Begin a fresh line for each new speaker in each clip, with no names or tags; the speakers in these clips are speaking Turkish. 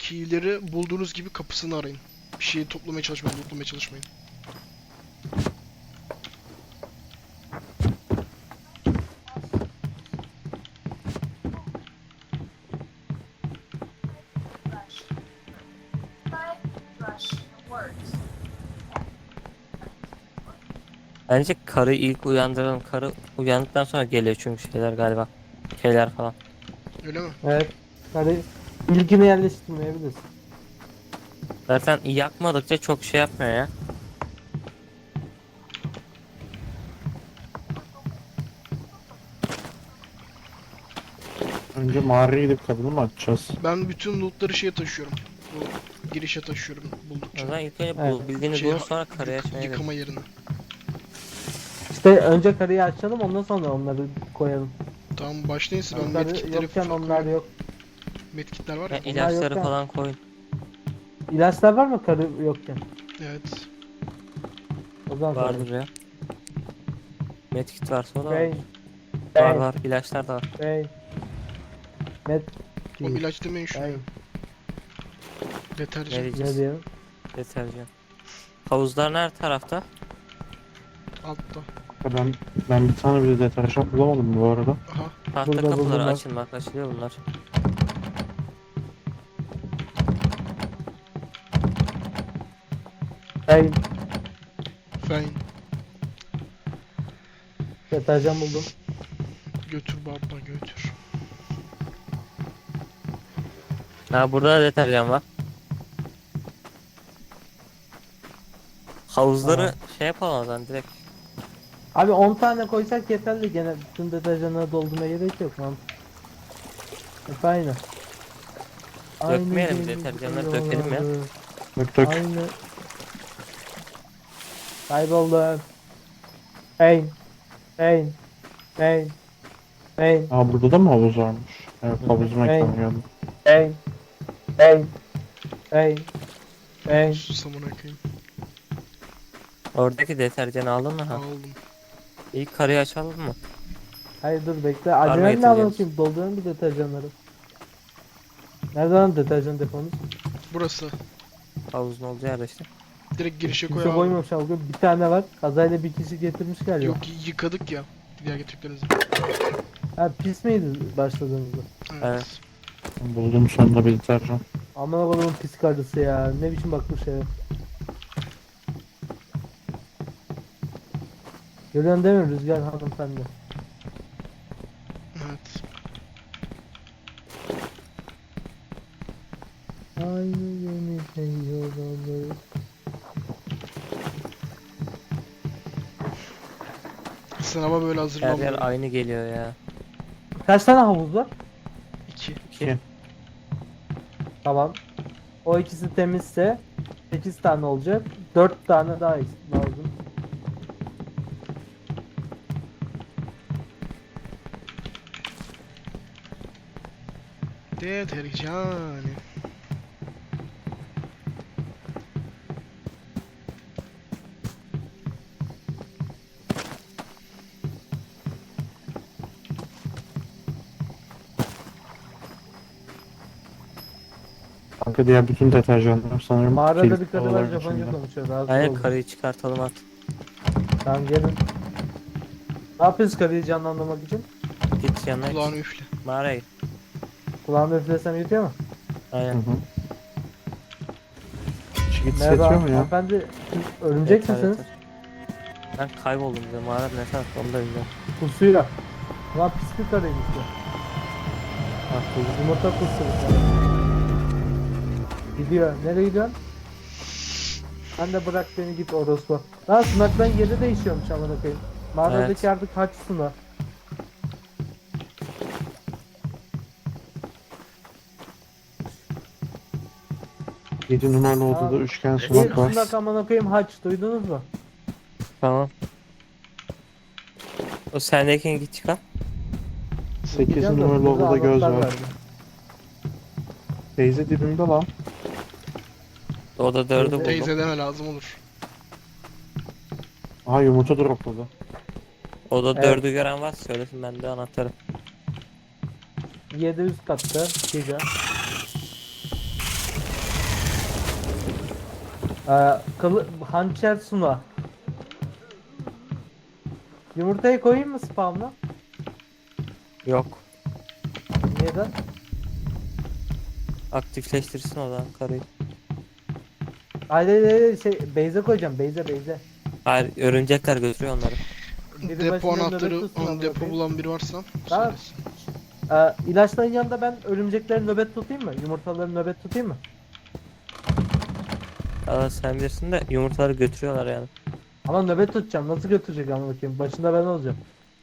Keyleri bulduğunuz gibi kapısını arayın. Bir şeyi toplamaya çalışmayın, lootlamaya çalışmayın.
Bence karı ilk uyandıralım. Karı uyandıktan sonra geliyor çünkü şeyler galiba. Şeyler falan.
Öyle mi?
Evet. Hadi ilkini yerleştirmeyebilirsin.
Zaten yakmadıkça çok şey yapmıyor ya.
Önce mağaraya gidip kadını mı açacağız?
Ben bütün lootları şeye taşıyorum. Bu girişe taşıyorum
O
buldukça.
zaman ilk önce
Evet.
bildiğini
Şey,
bulun sonra karıya açmaya gidelim.
yıkama yerine.
İşte önce karıyı açalım ondan sonra onları koyalım.
Tamam başlayın siz, ben
Karı
medkitleri
yokken onlar
koyuyorum.
yok.
Medkitler var
Ya
ya.
ilaçları
yokken.
falan koyun.
İlaçlar var mı karı yokken?
Evet.
O zaman
Vardır ya. Medkit varsa o da var.
Bey.
Var var. İlaçlar da var.
Bey. Met.
Oğlum ilaç demeyin şuna.
Bey.
ya.
Ne
Deterjan.
Ne
diyeceğiz?
diyor?
Deterjan. Havuzlar nerede tarafta?
Altta.
Ben bir tane bile deterjan bulamadım bu arada.
Aha.
Tahta
Burada
kapıları
bunlar.
açın bak, açılıyor bunlar.
Bey.
Fein.
Deterjan buldum.
Götür baba götür.
Ha, burada da deterjan var. Havuzları
Aha.
şey yapalım o zaman direkt.
Abi 10 tane koysak yeterli, gene bütün deterjanları doldurmaya gerek yok lan. Hep aynı.
Dökmeyelim,
Aynı
deterjanları
gemi
dökelim ya.
yolları,
Dök dök.
Aynı. Kayboldum. Hey. Hey. Hey. Hey.
Aa burada da mı havuz varmış? Evet, havuz mekanı geldi.
Hey. Hey. Hey. Hey.
Susamına koyayım.
Oradaki deterjanı aldın mı? Ha.
Aldım.
İlk karıyı açalım mı?
Hayır dur bekle.
mı
Acelen ne
getireceğiz?
anlatayım? Doldurun bir deterjanları. Nerede lan deterjan deponuz?
Burası.
Havuzun olduğu yerde işte.
Direkt girişe koy
Kimse
abi.
koymamış abi. Bir tane var. Kazayla bir kişi getirmiş galiba.
Yok yıkadık ya. Diğer getirdiklerinizi.
Ha pis miydi başladığınızda?
Evet.
Buldum sonunda bir deterjan.
Aman Allah'ım pis karısı ya. Ne biçim bakmış eve. Görüyorsun değil mi Rüzgar hanımefendi?
Evet.
Aynı gemide yol alır.
Sınava böyle
Her yer
hazırlanmıyor.
aynı geliyor ya.
Kaç tane havuz var?
2.
İki.
Tamam. O ikisi temizse 8 tane olacak. 4 tane daha lazım.
Deterjan.
Kanka diğer bütün deterjanlar sanırım
Mağarada
kilit
bir karı var
odaların
Japonca
içinde.
konuşuyor. Rahatsız
Aynen,
oldum.
karıyı çıkartalım at.
Tamam gelin. Ne yapıyoruz karıyı canlandırmak için?
Git yanına
Kulağını
git.
üfle.
Mağaraya git.
Kulağımı üflesem yetiyor mu?
Hı
Aynen.
hı. Çiğit
Merhaba
yetiyor mu ya?
hanımefendi. Örümcek
Yeter,
misiniz?
yeter. Ben kayboldum bize, mağara ne tarafta onu da bilmiyorum.
Pusuyla. Ulan pis bir karıymış ya.
Ah, buldum.
Yumurta kusuyor. Gidiyor. Nereye gidiyorsun? Ben de bırak beni git orospu. Lan sınaktan yeri değişiyormuş amına koyayım. Mağaradaki
Evet.
artık haç sunak.
Yedi numaralı
Aa,
odada üçgen
Bir
sunak var.
sunak amına koyayım haç, duydunuz mu?
Tamam. O sendekini git çıkar.
8
Gideceğim de
numaralı
burada
odada göz
anahtar
var.
verdi.
Teyze dibimde lan.
O da dördü buldum.
Teyze deme lazım olur.
Aha yumurta dropladı.
O da
Evet.
dördü gören var, söylesin ben de anahtarı.
7 üst katta. Güzel. Hançer Suna. Yumurtayı koyayım mı spamla?
Yok.
Neden?
Aktifleştirsin o zaman karıyı.
Hayır şey Beyze koyacağım. Beyze.
Hayır, örümcekler götürüyor onları.
Biri
Depo
başında
anahtarı,
nöbet tutsun,
depo
bakayım.
bulan biri varsa
Tamam.
söylesin.
İlaçların yanında ben örümcekleri nöbet tutayım mı? Yumurtaları nöbet tutayım mı?
Aa, sen bilirsin de yumurtaları götürüyorlar yani.
Ama nöbet tutacağım. Nasıl götürecek ama bakayım. Başında ben olacağım.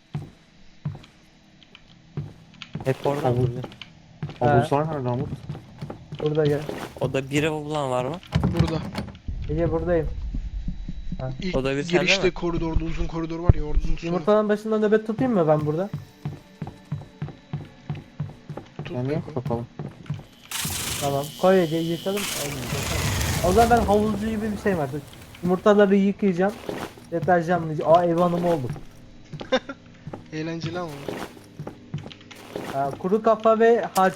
Hep oradan
Havuz.
duruyor.
Havuzlar nerede Umut?
Burada gel.
O da biri bulan var mı?
Burada.
Ege buradayım.
İlk
O da bir sende
girişte
mi?
koridorda uzun koridor var ya, orada uzun
Yumurtanın başında nöbet tutayım mı ben burada?
tut
Yani
Beko.
yok bakalım.
Tamam. Koy Ege'yi yıkalım. Aynen, yıkalım. O zaman ben havuzcu gibi bir şey var. Yumurtaları yıkayacağım. Deterjanlayacağım. Ev hanımı oldum.
Eğlenceli ama.
Kuru kafa ve harç.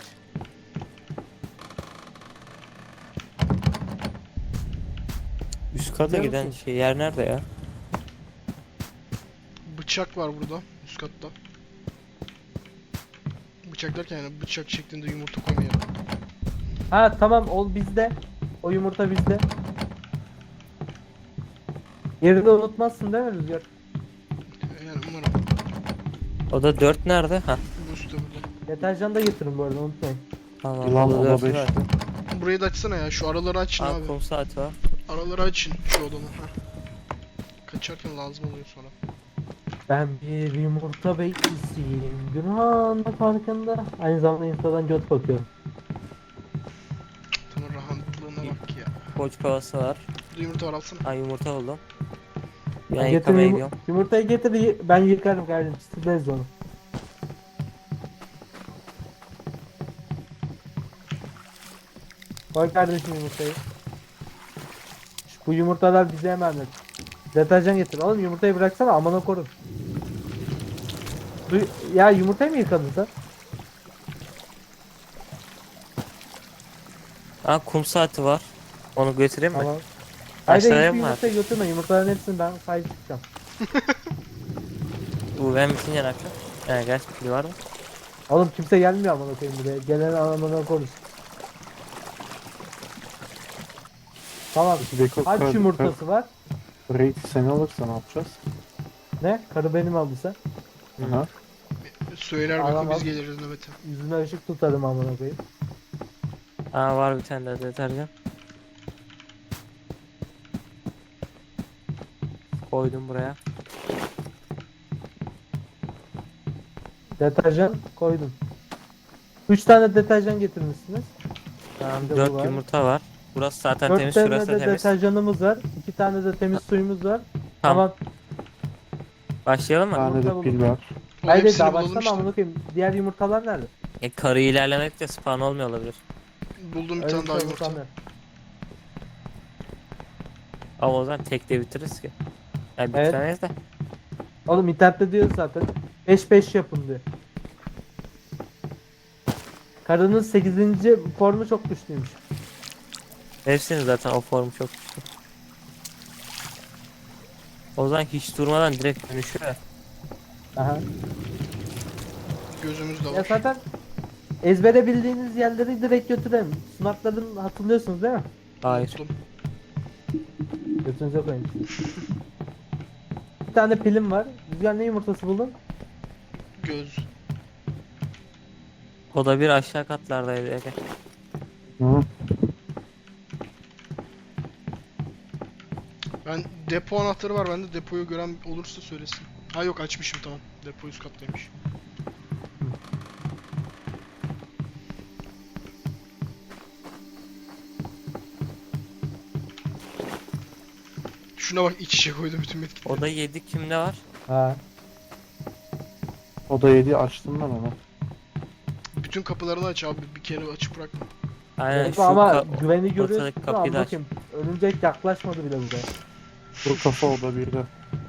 Üst kata
Biliyor
giden
musun?
şey yer nerede ya?
Bıçak var burada üst katta. Bıçak derken yani bıçak şeklinde yumurta koymayalım.
Tamam o bizde. O yumurta bizde. Yerini unutmazsın değil mi Rüzgar?
Yani umarım.
O da 4 nerede? Ha.
Bu üstte burada.
Deterjan da getirin bu arada unutmayın.
Tamam.
Yılan
o da
oda
4
5'te.
var.
Burayı da açsana ya, şu araları açın
Aa,
abi.
kum saati var.
Araları açın şu odanın. Kaçarken lazım oluyor sonra.
Ben bir yumurta bekçisiyim. Günahın da farkında. Aynı zamanda Insta'dan göt bakıyorum.
Tanrı rahatlığına bak ya.
Koç kovası var.
Burada yumurta var, alsana.
Ha, yumurta buldum. Ben
Getir
yıkamaya gidiyorum.
yumurtayı getir ben yıkarım kardeşim. Sileriz onu. Koy kardeşim yumurtayı. Bu yumurtalar bize emanet. Deterjan getir. Oğlum yumurtayı bıraksana amına korun. Ya yumurtayı mı yıkadın sen?
Ha, kum saati var. Onu götüreyim mi?
Tamam. Haydi
Aşağıya
hiçbir
mı
yumurtayı götürme. Yumurtaların hepsini ben sahip çıkacağım.
Bu ben bitince ne yapacağım? Gerçi pil var mı?
Oğlum kimse gelmiyor amına koyayım buraya. Gelen amına konuş. Tamam.
Beko
Harç yumurtası var.
Raid seni alırsa ne yapacağız?
Ne? Karı benim aldıysa.
Hı.
Söyler
Alamam.
Beko, biz geliriz nöbete.
Yüzüne ışık tutarım amına koyayım.
Aa, var bir tane de deterjan. Koydum buraya.
Deterjan koydum. 3 tane deterjan getirmişsiniz.
Tamam,
Bir de bu
4
var.
yumurta var. Burası zaten
4
temiz,
tane
şurası da
de
temiz.
deterjanımız var. 2 tane de temiz suyumuz var.
Tamam.
Tamam.
Başlayalım
Bir
mı?
tane de
Yumurta
pil var.
O
Hayır
hepsini
daha
bulalım
başlama
işte.
amına koyayım. Diğer yumurtalar nerede?
Karı ilerlemekte spawn olmuyor olabilir.
Buldum bir
Öyle
tane daha
şey
yumurta.
olmaz.
Ama o zaman tek de bitiririz ki. Yani
Evet.
bitiremeyiz de.
Oğlum internette diyor zaten. 5-5 yapın diyor. Karının 8. formu çok güçlüymüş.
Hepsinin zaten o formu çok güçlü. O zaman hiç durmadan direkt dönüşüyor.
Aha.
Gözümüz de
Ya
var.
zaten ezbere bildiğiniz yerleri direkt götürelim. Sunakların hatırlıyorsunuz değil mi?
Hayır.
Unuttum.
Götünüze koyun. Bir tane pilim var. Rüzgar ne yumurtası buldun?
Göz.
O da bir aşağı katlardaydı. Ege.
Hı.
Ben depo anahtarı var bende. Depoyu gören olursa söylesin. Ha yok, açmışım, tamam. Depo üst kattaymış. Şuna bak, iç içe koydum bütün metkitleri.
O da 7 kimde var?
Ha.
Oda 7 açtım ben onu.
Bütün kapılarını aç abi, bir kere açıp bırakma.
Aynen
Evet,
şu
ama güveni görüyorsun.
ortadaki kapıyı da aç.
Bakayım. Örümcek yaklaşmadı bile buraya.
Kuru kafa oda 1'de.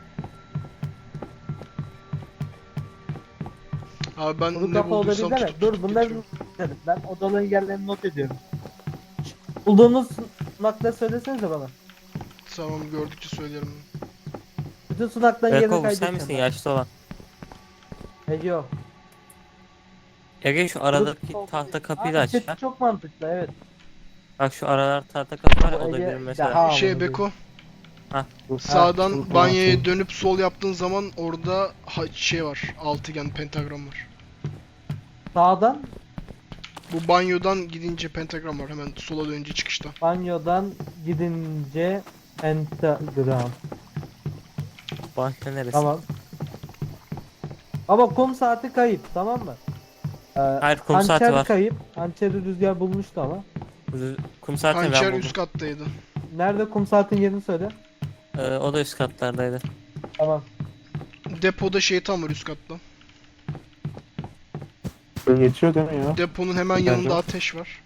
Abi ben
Bunu
ne
kafa
bulduysam
olabilir mi?
tutup
Dur
tutup
bunları
getiriyorum.
ben odaların yerlerini not ediyorum. Bulduğunuz nokta söylesenize bana.
Tamam, gördükçe söylerim.
Bütün sunaktan yerini
Beko bu sen
kaydedeceğim.
misin yaşlı olan?
Ege yok.
Ege şu aradaki tahta kapıyı da
Abi
aç
chat
ya.
çok mantıklı evet.
Bak şu aralar tahta kapı var ya, o da
Ege
bir mesela.
daha-
Şey Beko,
Dur.
sağdan
dur,
banyoya
dur.
dönüp sol yaptığın zaman orada şey var. Altıgen pentagram var.
Sağdan
Bu banyodan gidince pentagram var. Hemen sola dönünce çıkışta.
banyodan gidince pentagram.
Banyo neresi?
Tamam. Ama kum saati kayıp tamam mı?
Hayır, kum saati
hançer
var.
kayıp. Hançeri Rüzgar bulmuştu ama.
Kum saati ben
Hançer
buldum.
üst kattaydı.
Nerede kum saatin yerini söyle.
O da üst katlardaydı.
Tamam.
Depoda şeytan var üst katta.
Yetiyor değil mi ya?
Deponun hemen
Bence
yanında
var.
ateş var.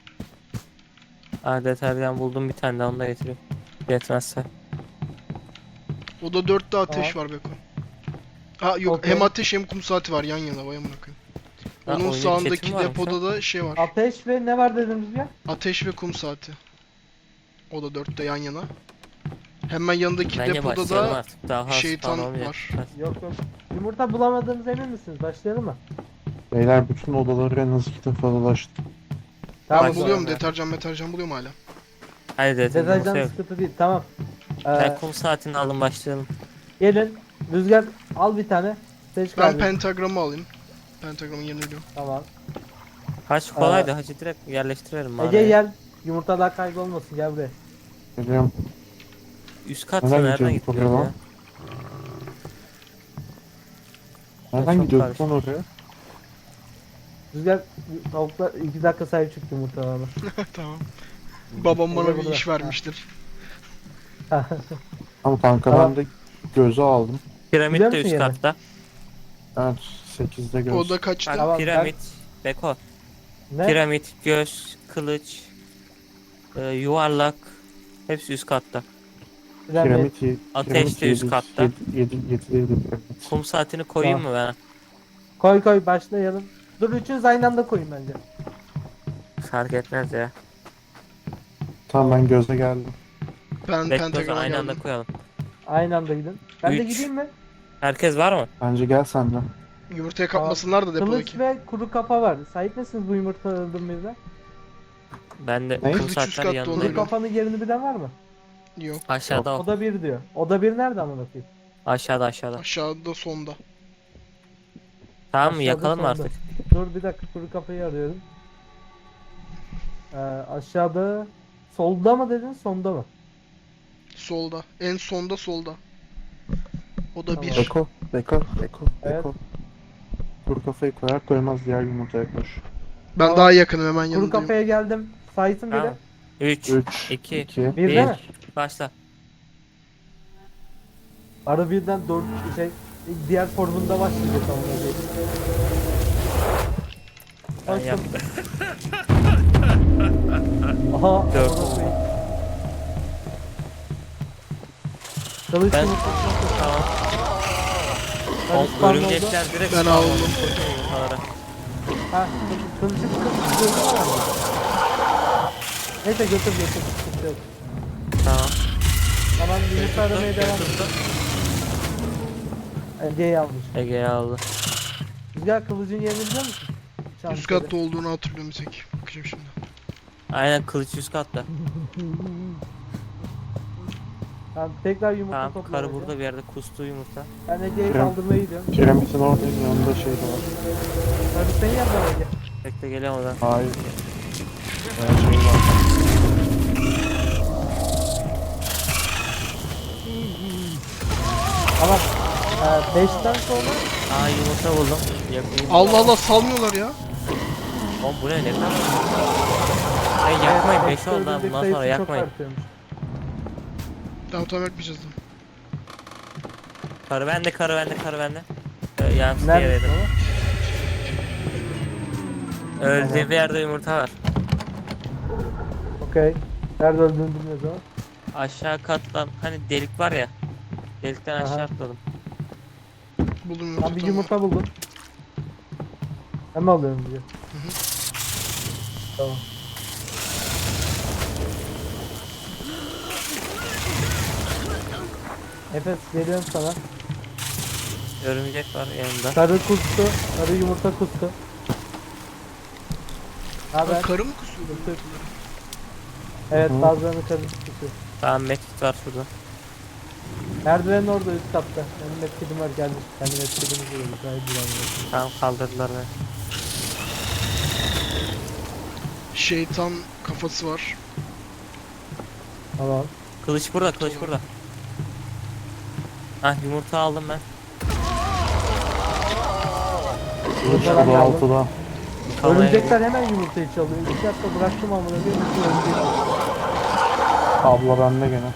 Deterjan buldum bir tane daha, onu da getireyim. Yetmezse.
O da 4'te ateş
Tamam.
var Beko. Ha yok,
Okey.
hem ateş hem kum saati var yan yana, vay amına koyayım.
Ha,
Onun
oyunun
sağındaki
chat'i mi varmış
depoda da şey var.
Ateş ve ne var dedin Rüzgar?
Ateş ve kum saati. O da 4'te yan yana. Hemen yanındaki
Bence
depoda
başlayalım
da
artık. Daha
şeytan
spawn olmayacak.
var.
Yok yok. Yumurta bulamadığınız emin misiniz? Başlayalım mı?
Beyler bütün odaları en az 2 defa dolaştım.
Ben
Tamam,
buluyorum,
ya.
deterjan buluyorum hala.
Hadi deterjan
deterjan
yok.
sıkıntı değil. Tamam.
Ben kum saatini alın, başlayalım.
Gelin. Rüzgar al bir tane. Seç
Ben
kardeşim.
pentagramı alayım. Pentagramın yerini biliyorum.
Tamam.
Haç kolaydı, hacı direkt yerleştirelim
Ege
mağaraya.
gel. Yumurtalar kaybolmasın gel buraya.
Geliyorum.
Üst kat
Neden
nereden
gidiyorduk
gidiyor
oraya
ya?
lan? Nereden
çok
gidiyorduk
karışık.
lan oraya?
Rüzgar tavuklar 2 dakika sahip çıktı yumurtalarına.
Tamam. Babam bana
Ege
bir
burada.
iş vermiştir.
Ama kanka
Tamam.
ben de gözü aldım.
Piramit
Biliyor
de
musun
üst
yeri?
katta.
Evet 8'de göz.
O da kaçtı?
Tamam.
Piramit, Beko.
Ne?
Piramit, göz, kılıç, yuvarlak. Hepsi üst katta.
Piramit.
Ateş de üst katta.
7'deydi piramit.
Kum saatini koyayım mı ben?
Koy koy başlayalım. Dur üçünüz aynı anda koyun bence.
Fark etmez ya.
Tamam ben göze geldim.
Ben
Bekle, o zaman
pentagrama
aynı anda
geldim.
koyalım.
Aynı anda gidin. Ben de
Üç.
gideyim mi?
Herkes var mı?
Bence gel sen de.
Yumurtaya kapmasınlar da
Kılıç
depodaki.
ve kuru kafa var. Sahip misiniz bu yumurtalardan birine?
Ben de
Ne?
kum
Kılıç üst
saatleri
katta
yanında.
olan.
Kuru
Öyle.
kafanın yerini bilen var mı?
Yok.
Aşağıda o.
Oda 1 diyor. Oda 1 nerede amına koyayım?
Aşağıda.
Aşağıda sonda.
Tamam mı?
Aşağıda
Yakalım mı
sonda.
artık?
Dur bir dakika kuru kafayı arıyorum. Aşağıda solda mı dedin sonda mı?
Solda. En sonda solda. O da
Tamam.
1.
Beko.
Evet.
Kur kafayı koyar koymaz diğer yumurtaya koş.
Ben
Tamam.
daha yakınım, hemen
Kuru
yanındayım.
kafaya geldim. Saysın biri.
Tamam. 3,
3,
2,
2,
Bir
1.
değil mi?
Başla.
Ara birden 4 diğer formunda başlayacak amına koyayım.
Ben
Başla.
yaptım.
Aha.
Dört.
amına koyayım. Kılıç
Ben-
yumurtasına koş.
Tamam.
Ben
O
spam oldu.
örümcekler direkt
Ben
spawn
aldım.
oldu yumurtalara.
Ha, kılıcı kılıcı var mı? Neyse götür. Sıkıntı yok.
Tamam.
Tamam yumurta aramaya devam.
Tuttum.
Ege'yi almış.
Ege'yi aldı.
Rüzgar kılıcın yerini biliyor musun?
Üst katta olduğunu hatırlıyorum bir tek. Bakacağım şimdi.
Aynen, kılıç üst katta.
Tamam tekrar yumurta
Tamam,
topla.
karı
bence.
burada bir yerde kustu yumurta.
Ben Ege'yi
Piram-
kaldırmaya gidiyorum.
Piramidin oradayım yanında şey de var.
Karı senin yanında mı Ege.
Bekle, geliyorum oradan.
Hayır. Şey var.
Tamam. 5'ten sonra
Yumurta buldum. Yakayım.
Allah Allah, salmıyorlar ya.
Oğlum bu ne kadar? Hey, yakmayın, 5
beşte
oldu ha,
öldürdük
bundan
sayısı
sonra
çok
yakmayın.
artıyormuş.
Tamam yapmayacağız da.
Karı bende. Yansıtı
Nerede?
yedim.
Tamam.
Öldüğü bir yerde yumurta var.
Okey. Nerede öldüğünü bilmiyoruz ama.
Aşağı kattan hani delik var ya. Delikten
Aha.
aşağı atladım.
Buldum yumurta.
Ben bir
tamam.
yumurta buldum. Hemen alıyorum diyor. Tamam. Efes veriyorum sana.
Örümcek var yanında.
Sarı kustu. Sarı yumurta kustu. Haber?
Karı mı kusuyor?
Kustu. Evet
Hı.
bazılarını sarı kustu.
Tamam medkit var şurada.
Merdivenin orada üst katta. Benim metkidim var gelmiş. Kendi metkidimiz de olur. Gayet güvenli.
Tamam kaldırdılar beni.
Şeytan kafası var.
Tamam.
Kılıç burada, kılıç burada. Hah yumurta aldım ben.
Kılıç
Yumurtalar
burada
aldım.
altıda.
Kalmaya
Örümcekler hemen yumurtayı çalıyor. 2 dakika bıraktım amına koyayım. Bütün örümcek aldı.
Abla bende gene.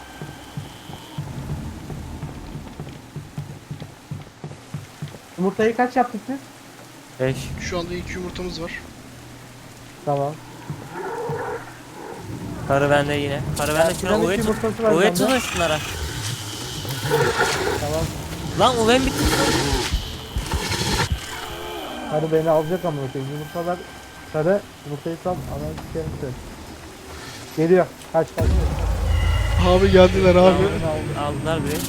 Yumurtayı kaç yaptık biz?
5.
Şu anda 2 yumurtamız var.
Tamam.
Karı bende yine. Karı bende şuna
piramit
UV tut.
yumurtası var
UV
bende.
tutun şunlara.
Tamam.
Lan UV'm bitti.
Sarı beni alacak amına koyayım. Yumurtalar sarı. Yumurtayı sal. Ananı sikerim seni. Geliyor. Kaç kaç.
Abi geldiler abi.
Aldılar biri.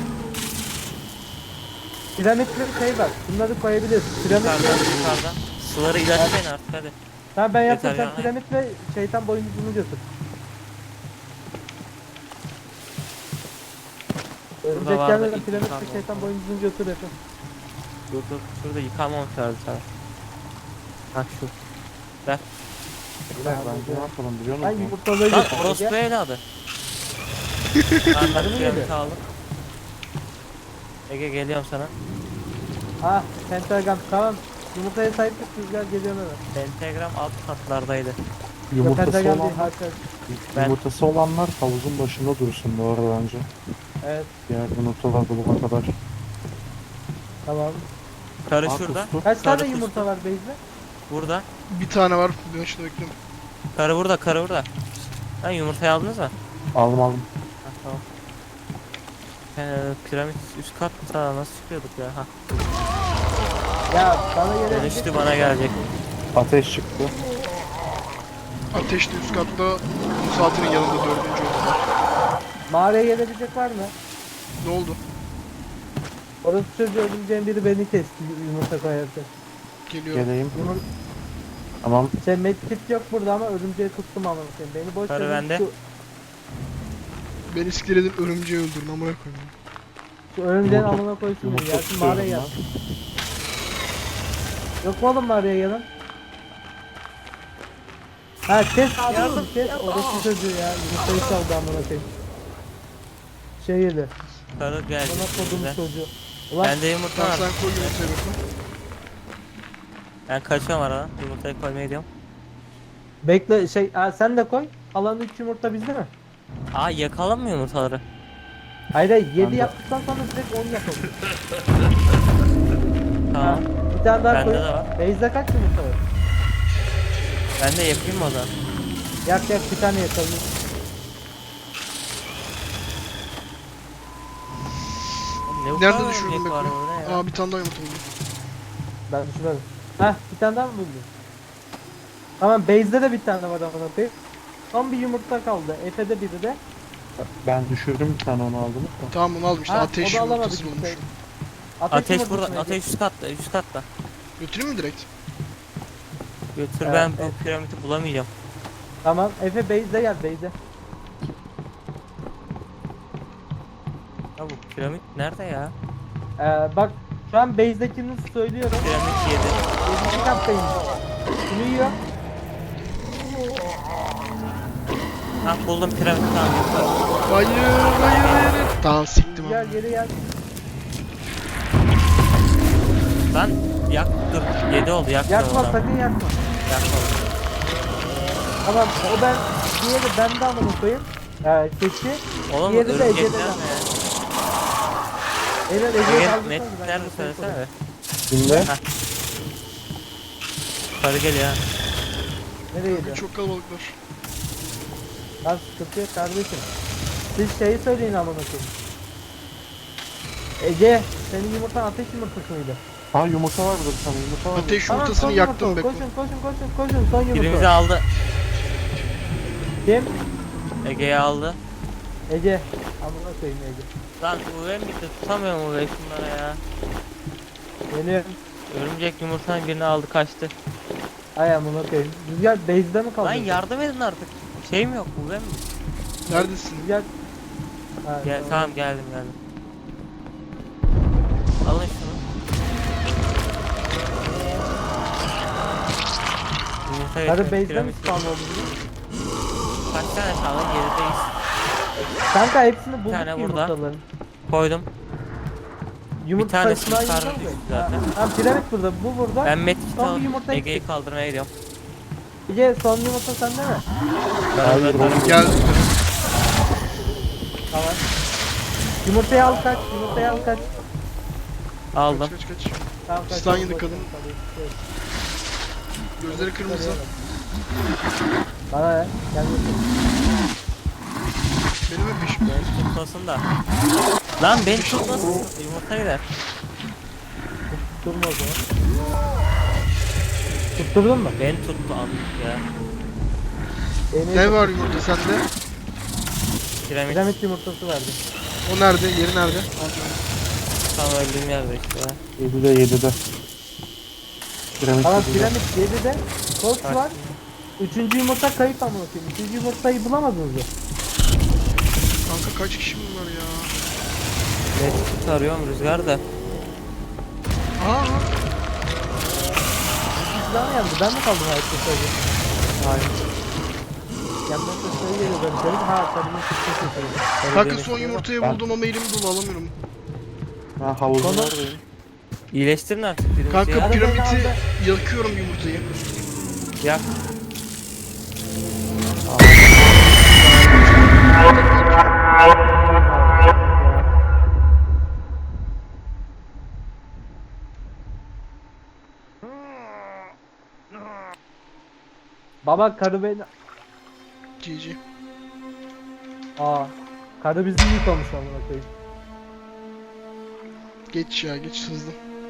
Piramitli bir şey var. Bunları koyabiliriz. Piramit.
Yukarıdan. Suları ilaçlayın artık hadi.
Tamam ben yaptım.
Yeter
Sen
ya.
piramit ve şeytan boynuzunu götür. Örümcek
vardı,
gelmeden
ilk
piramit
yukarıda
ve şeytan boynuzunu götür efendim.
Dur dur. Şurada yıkanmamış lazım sana. Bak şu. Ver.
Bence ne yapalım biliyor
Ben
musun?
yumurtalığı
Lan
götür.
orospu evladı. Tamam ben
Sarı mı
piramit
geliyor?
aldım. Ege geliyorum sana.
Ah pentagram tamam. Yumurtaya sahiplik rüzgar geliyor hemen.
Pentagram alt katlardaydı.
Yumurtası
Pentagram değil
olanlar,
harika.
Ben-
yumurtası olanlar havuzun başında dursun bu arada bence.
Evet
Diğer yumurtalar bulana kadar.
tamam.
Karı
Aa,
şurada.
kustu.
Kaç
Sarı
tane
kustu.
yumurta var Beyza?
Burada.
Bir tane var. Ben şurada bekliyorum.
Karı burada, karı burada. Lan yumurtayı aldınız mı?
Aldım aldım.
Ha tamam. Piramit üst katta nasıl çıkıyorduk ya? Ha.
Ya bana gelebilecek.
Dönüştü bana gelecek.
Ateş çıktı.
Ateşli üst katta bu saatinin yanında 4. oldular.
Mağaraya gelebilecek var mı?
Ne oldu?
Orası çocuğu ölümceğin biri beni kesti yumurta koyarken.
Geliyorum.
Geleyim.
Yumur
Tamam.
şey medkit yok burada ama örümceği tuttum ama beni boş
Karı
verin,
bende.
Ben iskeledim örümceği öldürün amına koyayım.
Şu örümceğin
Yumurta-
amına koysun beni.
Yumurta
Gelsin
tutuyorum
mağaraya
ben.
gelsin. Yok mu oğlum mağaraya gelen? Ha kes abi oğlum kes. Orası çocuğu ya. Yumurtayı çaldı amına koyayım. Şey yedi.
Karı gelecek.
Bana kodum
bize.
çocuğu. Ulan
Bende yumurta
Tamam
var.
sen koy yumurtayı bakın.
Ben kaçıyorum aradan. Yumurtayı koymaya gidiyorum.
bekle şey sen de koy. Alan 3 yumurta bizde mi?
Aa yakalım mı yumurtaları?
Hayır 7
de.
yaptıktan sonra direkt 10 yapalım.
Tamam.
Bir tane daha
Bende
koy.
de var.
Beyza kaç yumurta var?
Ben de yakayım mı o zaman?
Yak yak bir tane yakalım.
Oğlum, ne bu
Nerede
kadar
düşürdün
örümcek var
Bekle?
orada ya?
Aa bir tane daha yumurta oldu.
Ben düşürmedim. Heh bir tane daha mı buldun? Tamam base'de de bir tane var amına koyayım. Son bir yumurta kaldı. Efe'de biri de.
Ben düşürdüm bir tane onu aldım da.
Tamam onu aldım işte
Ha,
ateş
o da alamadık
yumurtası bulmuş.
işte.
Ateş
yumurtası
burada.
neydi?
Ateş üst katta. Üst katta.
Götüreyim mi direkt?
Götür
Evet,
ben
evet.
bu piramidi bulamayacağım.
Tamam Efe base'de gel base'de.
Ya bu piramit nerede ya?
Bak şu an base'dekini söylüyorum.
Piramit 7.
7. kattayım. Şunu yiyor.
Ha buldum piramit tamam.
Hayır hayır hayır. Tamam siktim
Gel
abi.
geri gel.
Lan yak dur 7 oldu yak.
Yakma sakın yakma.
Yakma.
Tamam o ben diğeri bende amına koyayım. Keçi.
Oğlum
Diğeri de
örümcekler
Ege'de.
ne?
Eğer Ege'ye
Ege
kaldıysanız
net
ben
nerede
yumurtayı
söylesene be.
Şimdi
Karı geliyor ha.
Nereye gidiyor?
Çok kalabalıklar.
Lan sıkıntı yok kardeşim. Siz şeyi söyleyin amına koyayım. Ege, senin yumurtan ateş yumurtası mıydı?
ha yumurta var burada bir tane yumurta var.
Ateş
Tamam,
yumurtasını
son
yaktım
yumurta.
Beko.
Koşun son
Birimizi
yumurta.
aldı.
Kim?
Ege'yi aldı.
Ege. Amına koyayım Ege.
Lan UV'm bitti, tutamıyorum UV'yi şunlara ya.
Geliyorum.
Örümcek yumurtanın birini aldı kaçtı.
Ay amına koyayım. Rüzgar base'de mi kaldın?
Lan yardım edin artık. Şeyim yok, UV'm mi?
Neredesin?
Rüzgar. Ha,
Gel, tamam geldim. Alın şunu. Yumurta
Karı
getir,
base'de mi
piramit.
spawn oldu bunu?
Kaç tane kaldı? 7'deyiz.
Kanka hepsini bulduk
tane
ki
burada.
yumurtaların.
Koydum.
Yumurta
tanesini
sayısından
karnı
yumurta mı?
düştü zaten.
Tamam piramit burada, bu burada.
Ben medkit
Son bir
alıp
yumurta
Ege'yi
eksik.
kaldırmaya gidiyorum.
Ege son yumurta sende mi?
Hayır, oğlum.
Geldim.
Tamam. Yumurtayı al kaç, yumurtayı al kaç.
Aldım.
Kaç.
Tamam kaç.
Stan yedik kadın. Gözleri kırmızı.
Bana ver. Gel bakalım.
Benim hep peşimde.
Tutmasın da. Lan beni tutmasın. Yumurta gider.
Tutturma o zaman. Tutturdun mu?
Beni tuttu anlık ya.
Ne var yumurta sende?
Piramit
Piramit yumurtası verdi.
O nerede? Yeri nerede?
tam öldüğüm yerde işte ya.
7'de. Piramit
Tamam
7'de.
piramit 7'de. Koç
Kaç?
var. Üçüncü yumurta kayıp amına koyayım. Üçüncü yumurtayı bulamadınız mı?
Kanka kaç kişi bunlar ya?
Medkit arıyorum Rüzgar da.
Aha.
Siz daha mı yandı? Ben mi kaldım hayatta sadece? Hayır. Yandan sesleri geliyor ben dedim. Ha kadının sesleri
Kanka son yumurtayı buldum ama elim dolu alamıyorum.
Ha havuzun
Konu-
oradayım.
İyileştirin artık birimizi
Kanka
ya.
piramidi yakıyorum yumurtayı.
Yak.
Baba karı beni...
GG.
Aa. Karı bizi yıkamış amına koyayım.
Geç ya geç hızlı.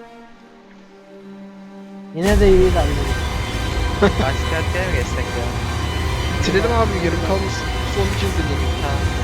Yine de iyi lan.
Başka ülkeye mi geçsek ya?
Bitirelim abi yarım kalmasın. Son bir kez deneyelim.
Tamam.